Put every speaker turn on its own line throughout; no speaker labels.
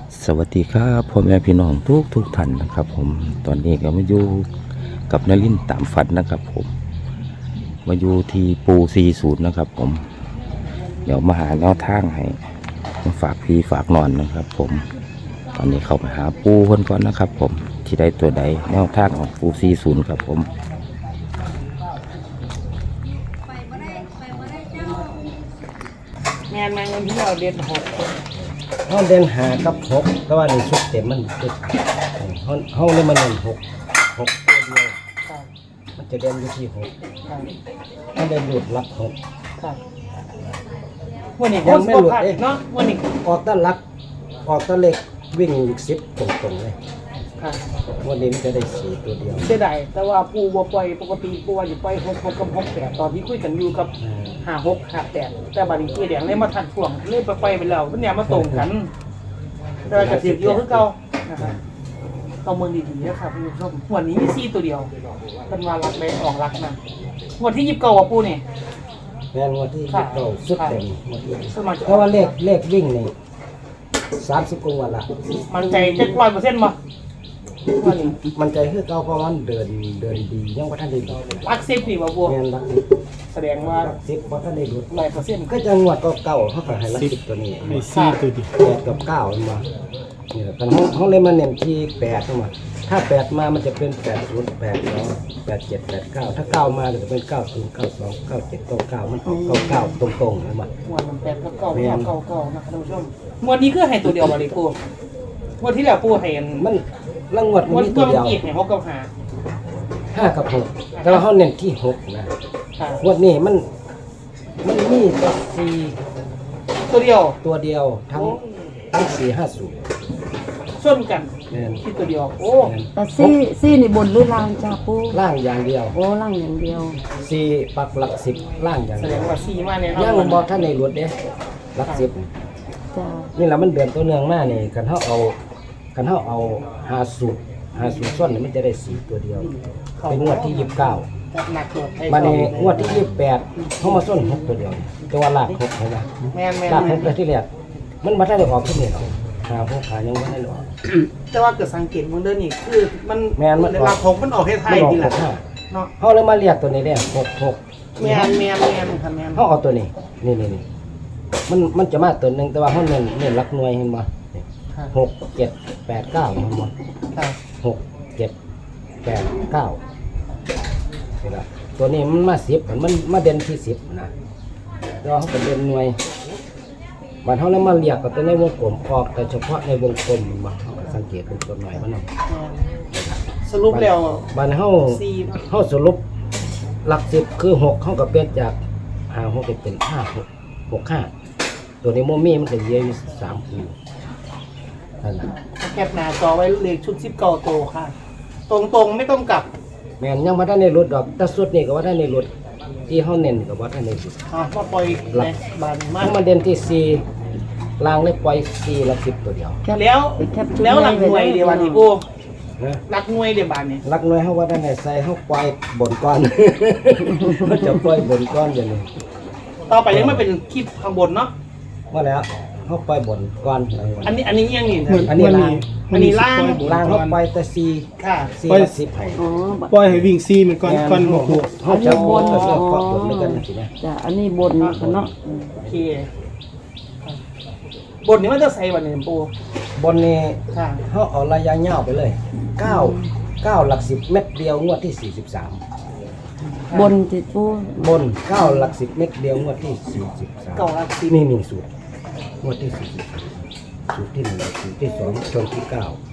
สวัสดีครับพ่อแม่พี่น้องทุกท่านนะครับผมตอนนี้ก็มาอยู่กับนลินตามฝันนะครับผมมาอยู่ที่ปู40นะครับผมเดี๋ยวมาหาแนวทางให้มาฝากพี่ฝากนอนนะครับผมตอนนี้เข้าไปหาปูคนก่อนนะครับผมที่ได้ตัวใดแนวทางของปู40ครับผม
งานมาเงินที่เราเดือน6
ห้องเดินหากับหกแต่ว่าในชุดเต็มมันชุดห้องเลยมันเดินหกตัวเดียวมันจะเดินอยู่ที่หกมันเดินหลุดลักหก
วันนี้ยังไม่หลุดเนาะวันนี้
ออกต้นลักออกต้นเล็กวิ่งอีก10ตรงๆเลยวันนี้มันจะได้4ตัวเดียว
เสียดายแต่ว่าปูบ่ปล่อยปกติปูว่าอยู่ปล่อย6กับ6 8ตอนที่คุยกันอยู่กับ5 6 5 8แต่บัดนี้คือแดงเลยมาทันช่วงเลยไปแล้วมันเนี่ยมาตรงกันแต่ก็สิอยู่คือเก่านะครับต้องเมืองดีๆนะครับคุณผู้ชมวันนี้มี4ตัวเดียวเป็นว่ารักเลยออกรักนะวันที่29อ่ะปูนี่
แม่นวันที่เราสุดเต็มเพ
ราะ
ว่าเลขวิ่งนี่30กว่าวันละ
มันใจ700%บ่
มันใจคือเก่าเพราะมันเดินดียังว่าท่านได้ดู
รัก10นี่บ่ปู
แม่นรัก
แสดงว่า
10เพราะท่านได้ดู
100%
ก็จะงวดเก่าเขาก็ให้รัก10ตัวนี้
ไม่ซี่ตัวดิ
8กับ9มันมานี่แหละกันห้องเลยมาเน้นที่8เข้ามาถ้า8มามันจะเป็น80 82 87 89ถ้า9มาจะเป็น90 92 97 99มันออก99ตรงๆเลยมา
วันมัน8กับ9 9นะครับท่านผู้ชมวันนี้คือให้ตัวเดียวบ่ได้ปูวันที่แล้วปูให้
มันละงวดมันมีตัวเดียว
ให้6กับ
5กับ6แต่ว่าเฮาเน้นที่6นะงวดนี้มันมีแต่4
ตัวเดียว
ทั้ง450
ส้นกันที่ตัวเดียวโอ้
แต่ซี่นี่บนหรือล่างจ้าปู
ล่างอย่างเดียว
โอ้ล่างอย่างเดียว
4ปักหลัก10ล่างอย่าง
แสดงว่า4มาแน่นอน
ยังบ่ทันได้หลุดเด้หลัก10
จ้า
นี่ล่ะมันเดือนตัวเนืองมานี่คันเฮาเอา50ส้นมันจะได้4ตัวเดียวเป็นงวดที่29
หนักตัว
มาในงวดที่28เฮามาส้น6ตัวเดียวแต่ว่าลาก6เห็นมั้ย
แม่น
ลาก6ที่แรกมันบ่ทันได้ออกขึ้นนี่หรอก5 6ขายังบ่ได้ออก
แต่ว่าเกิดสังเกตมันเด้อนี่คือมัน
แม่นมัน
หลัก6มันออกให้ไทยนี่แหละ
เนาะเฮาเลยมาเรียกตัวนี้เด้66
แม่นค่ะแม่น
เฮาเอาตัวนี้นี่มันจะมาตัวนึงแต่ว่าเฮาเน้นหลักหน่วยเห็นบ่6 7 8 9มันบ่6 7 8 9นี่ล่ะตัวนี้มันมา10มันมาเด่นที่10นะแล้วเฮาก็เด่นหน่วยบัดเฮาแล้วมาเรียกกับตัวในวงกลมออกแต่เฉพาะในวงกลมมันบ่เฮาก็สังเกตเป็นตัวหน่อยมันเนาะ
สรุปแล้ว
บัดเฮาสรุปหลัก10คือ6เฮาก็เปลี่ยนจาก5 6เป็น5 6 6 5ตัวนี้โมมี่มันก็เยอะอยู่3คู่นั่นน่ะ
แคปหน้าจอไว้เลขชุด19โตค่ะตรงไม่ต้องกลับ
แม่นยังบ่ทันได้ลดดอกแต่สุดนี่ก็ว่าทันได้ลดที่เฮาเน้นก็ว่าทันได้ลด
มาปล่อยในบ้าน
มันเด่นที่4ล่างเลยปล่อย4หลัก10ตัวเดียว
แล้วหลักหน่วยเดี๋ยววันนี้ปูหลักหน่วยเดี๋ยวบ้านนี้
หลักหน่วยเฮาว่าทันได้ใส่เฮาปล่อยบนก้อนมันจะปล่อยบนก้อนอย่างนี้
ต่อไปยังไม่เป็นคลิปข้างบนเนาะ
ว่าแล้วเฮาปล่อยบนก้อน
อันนี้ยังนี่
อันนี้ล่างเฮาปล่อยแต่4
ค่ะ
4ปล่อย10ให้
ปล่อยให้วิ่งซี่มันก่อนบ่ฮู้
เฮาจะบนก็จะเกาะบนด้วยกันสินะ
จ้ะอันนี้บนเนาะ
โอเคบนนี้มันจะใส่บัดนี้ปู
บนนี้
ค่ะ
เฮาเอาระยะยาวไปเลย9หลัก10เม็ดเดียวงวดที่43
บนติปู
บน9หลัก10เม็ดเดียวงวดที่43
9หลัก10
นี่สูตรงวดที่43สูตรที่1สูตรที่2ชนที่9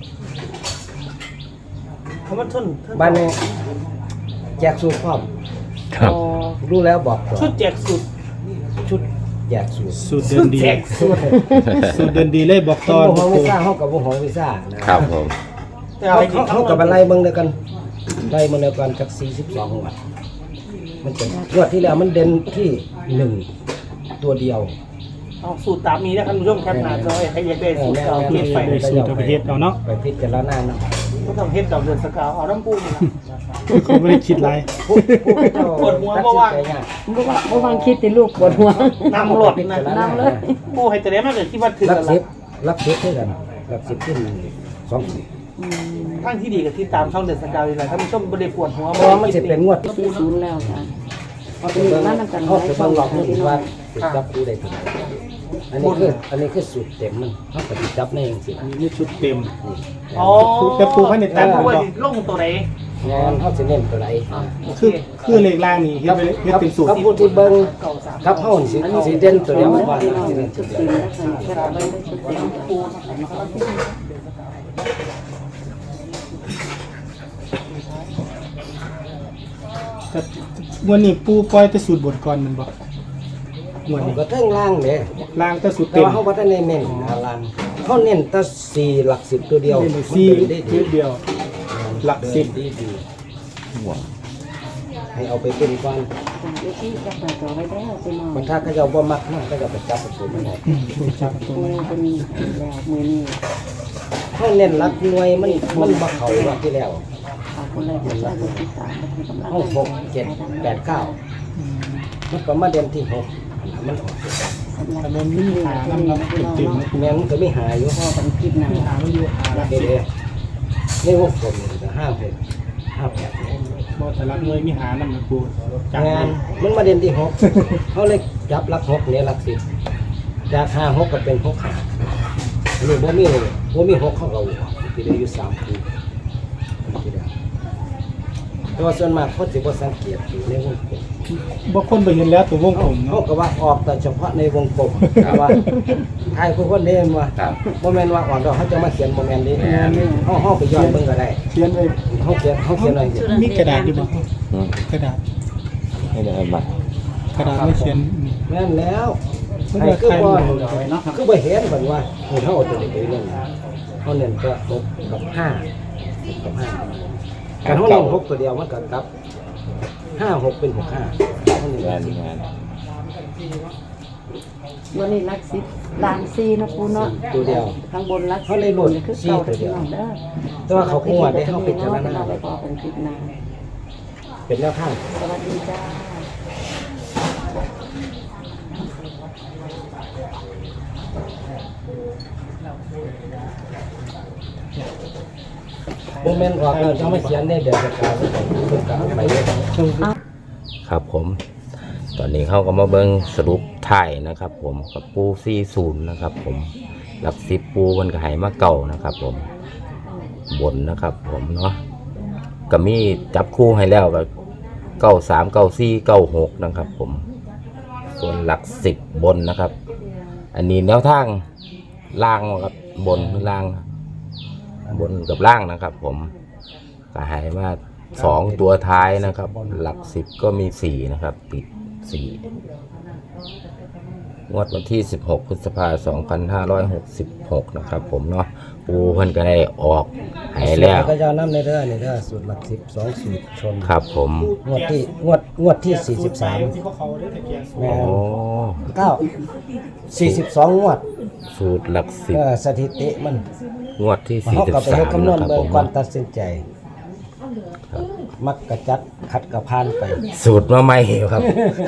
คำว่าทุน
บ้านนี้แจกสูตรพร้อม
ครับ
รู้แล้วบอก
ชุดแจกสูตร
ชุดแจก
สูตรเดินดีสูตรเดินดีเลยบอกตอน
บ่ฮู้ซ่าเฮากับบ่ฮู้วิซ่า
นะครับผม
แต่เอาจริง
เฮากับอะไรเบิ่งเดียวกันได้มาแล้วกันจาก42งวดมันเป็นงวดที่แล้วมันเด่นที่1ตัวเดียว
เอาสูตรตามนี้นะท่านผู้ชมแคปหน้าจอให้อยากได้สูตรเอาเฮ็ดไป
สูตรเอาไปเฮ็ดเอาเนาะ
ไปพิจารณาเนาะ
บ่ต้องเฮ็ดดอกเดือนสกาวเอาน้ำปูนี่ล่ะ
เขาบ่ได้คิดหลาย
ปวดหัวบ่ว่าง
บ่วางคิดติลูกปวดหัว
น้ำหลดนะ
น้ำเลย
ปูให้แต่ได้มาเกิดคิดว่าถึง
รัก10คือกันหลักสิบขึ้น2สูตร
ทางที่ดีกับที่ตามช่องเดือนสกาวนี่แหละถ้ามันชมบ่ได้ปวดหัว
เพราะว่ามันจะเป็นงวด
40แล้วจ้ะ
เขาไปเบิ่งเขาไปเบิ่งหลอกมันว่าติดจับคู่ได้ถึงอันนี้คือสูตรเต็มมันเขาไปติดจับในเองสิ
อันนี้ชุดเต็ม
อ๋อ
แต่ปูให้ในแต่
แต่
ผม
ว่า
บอก
ลงตัวไหน
งานเขาจะเน้นตัวไหน
คือเลขล่างนี่เฮ็ดเป็นสูตร
ครับผู้ที่เบิ่ง
เก่าสาม
ครับเขาสิเด่นตัวเดียวว่า
พี่น้อง
สิเด่น
ชุ
ตัว
ด
เดี
เต็
ยว
มนะคะแค่ไปได้ชุดเต็ม
ปูนะครับ
แต่วันนี้ปูปล่อยแต่สูตรบทก่อนมันบอกวันนี้
ก็เทิงล่างเด้
ล่างแต่สูตร
แต่
เต็ม
ว่าเขาบ่ได้เน้นล่างเขาเน้นแต่4หลัก10ตัวเดียว
สี่
ได้
ชุดเดียว หลักสิบ
ดีให้เอาไปเป็นก่อน
เดี๋ยวที่จะเปิดตัวไว้แล้วพี่น้อง
บางท่าก็จะบ่มักมันก็จะไปจับประตูมันได้
ปูเป็นแล้วมือนี้
เขาเน้นหลักหน่วยมันบ่เข้าว่าที่แล้ว
ขอบคุณเลยที่ช่วยดูที่3เป็นกำลัง
ห้อง6 7 8 9มันก็มาเด่นที่6มันออก
สำหรับวันนี้หาที่นี่นะพี่น้องเนาะ
แม่นมันก็ไม่หายอยู่
พอกันคลิปหน้า
เด้ในวงกลมนี่ก็5 6 5 8
บอกแต่ละหน่วยมีหานำนะปูจับ
งานมันมาเด่นที่6เขาเลยจับหลัก6เนี่ยหลัก10จาก5 6ก็เป็น6 5อันนี้บ่มี6เข้ากับที่ได้อยู่3คู่ที่ได้แต่ว่าส่วนมากเขาสิบ่สังเกตอยู่ในวงกลม
บางคนไปเห็นแล้วตัววงผม
เขา
เนาะ
ก็ว่าออกแต่เฉพาะในวงกลมแต่ว่าไทยผู้คนเล่นว่า
ครับ
บ่แม่นว่าออกดอกเขาจะมาเขียนบ่แม่นเด้เฮาไปย้อนเบิ่งก็ได้
เขียนไว้
เขาเขียนไว้
มีกระดาษอยู่บ่
อืม
กระดาษ
ให้ได้บัตร
กระดาษไม่เขียน
แม่นแล้ว
มัน
ไอ้
ก็
คือ
ใคร
บ่
มันเอาไว้เนาะ
คือบ่เห็นเพิ่นว่าเฮาเอาตัวนี้ไปเล่นเขาเน้นก็6กับ5กับ5การเฮาเล่น6ตัวเดียวมันก็กับ5 6เป็น6 5เขาเน้น
งานงาน
วันนี้รักสิบล้านซีนะปูเนาะ
ตัวเดียว
ข้างบนรัก
เขาเลยบ่น
คือ
ซี่
เก่า
ตัวเดี
พี่
ยว
น้องเด้อ
แต่ว่าเขาคงว่าได้เฮาพิจารณา
ไปพอกันคลิปหน้า
เป็นแนวทาง
สวัสดีจ้า
บ่แม่นออกแล้วจะมาเขียนในแบบประกาศเพิ่นก็เอาไปเลย
ครับผม ตอนนี้เขาก็มาเบิ้งสรุปถ่ายนะครับ ผมกับปู40นะครับ ผมหลัก10ปูมันก็ใหายมาเก่านะครับ ผมบนนะครับ ผมเนาะก็มีจับคู่ให้แล้วก็93 94 96นะครับ ผมส่วนหลัก10บนนะครับ อันนี้แนวทางล่างครับบนล่างบนกับล่างนะครับ ผมก็ใหายมา2ตัวท้ายนะครับ หลัก10ก็มี4นะครับติด4งวดวันที่16พฤษภาคม2566นะครับ ผมเนาะปูเพิ่นก็ได้ออกใหายแล้ว
ก็จะนำในเด้อนี่เด้อสูตรหลัก10 2สูตรชน
ครับผม
งวดที่43
ที่เขาได้ตะเกียง
แม่
โอ้
9 42งวด
สูตรหลัก10
สถิติมัน
งวดที่
เฮาก็ไปเฮ็ด
43
คำนว
นะ
ณ
ครับ
เบิ่
ผ
ง
ม
ก่อนตัดสินใจ มักกระจัดขัดกระพานไป
สูตรมาใหม่ครับ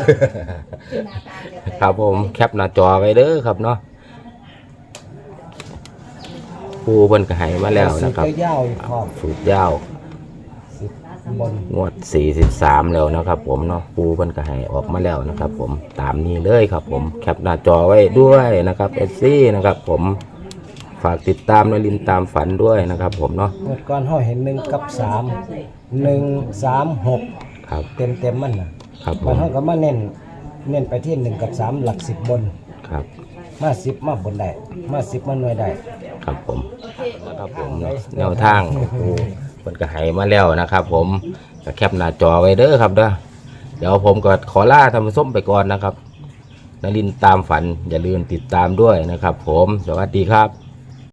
ครับผมแคปหน้าจอไว้เด้อครับเนาะปูเพิ่นก็ให้มาแล้วนะครับ
สูตรยาวๆพร้อม
สูตรยาว
บน
งวด43แล้วนะครับ ผมเนาะปูเพิ่นก็ให้ออกมาแล้วนะครับ ผมตามนี้เลยครับ ผมแคปหน้าจอไว้ด้วยนะครับSCนะครับ ผมฝากติดตามนลินตามฝันด้วยนะครับ ผมเนาะ
งวดก่อนเฮาเห็น1กับ3 1 3 6
ครับ
เต็มๆมันน่ะ
ครับผ
มัน
ม
เฮาก็มาเน้นไปที่1กับ3หลัก10บน
ครับ
มา10มาบนได้มา10มาหน่วยได้
ครับผมนะครับผมเนาะแนวทางปูเพิ่นก็ให้มาแล้วนะครับ ผมก็แคปหน้าจอไว้เด้อครับเด้อเดี๋ยวผมก็ขอลาท่านผู้ชมไปก่อนนะครับนลินตามฝันอย่าลืมติดตามด้วยนะครับ ผมสวัสดีครับ